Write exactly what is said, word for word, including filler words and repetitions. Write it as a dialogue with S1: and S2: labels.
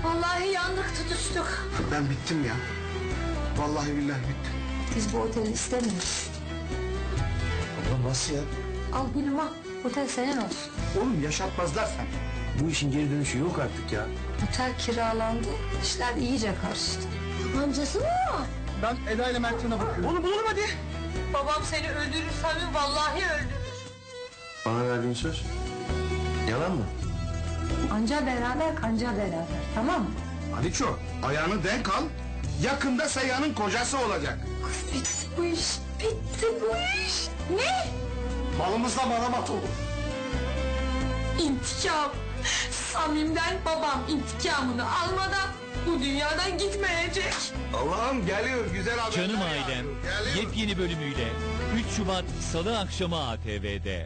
S1: Vallahi yandık, tutuştuk.
S2: Ben bittim ya. Vallahi billahi bittim.
S1: Biz bu oteli istemiyoruz.
S2: Abla nasıl ya?
S1: Al gülüm al. Otel senin olsun.
S2: Oğlum yaşatmazlar sen. Bu işin geri dönüşü yok artık ya.
S1: Otel kiralandı. İşler iyice karıştı. Amcası mı o?
S2: Ben Eda ile Mert'ine bakıyorum. Oğlum bulalım hadi.
S1: Babam seni öldürür Sami, vallahi öldürür.
S2: Bana verdiğin söz yalan mı?
S1: Anca beraber kanca beraber, tamam mı?
S2: Aliço ayağını denk al. Yakında Seyhan'ın kocası olacak.
S1: Kız bitti bu iş. Bitti bu iş. Ne?
S2: Malımızla malamat olur.
S1: İntikam. Samim'den babam intikamını almadan bu dünyadan gitmeyecek.
S2: Allah'ım geliyor güzel haberler.
S3: Canım Ailem
S2: yağıyor. Geliyor.
S3: yepyeni bölümüyle üç Şubat Salı akşamı A T V'de.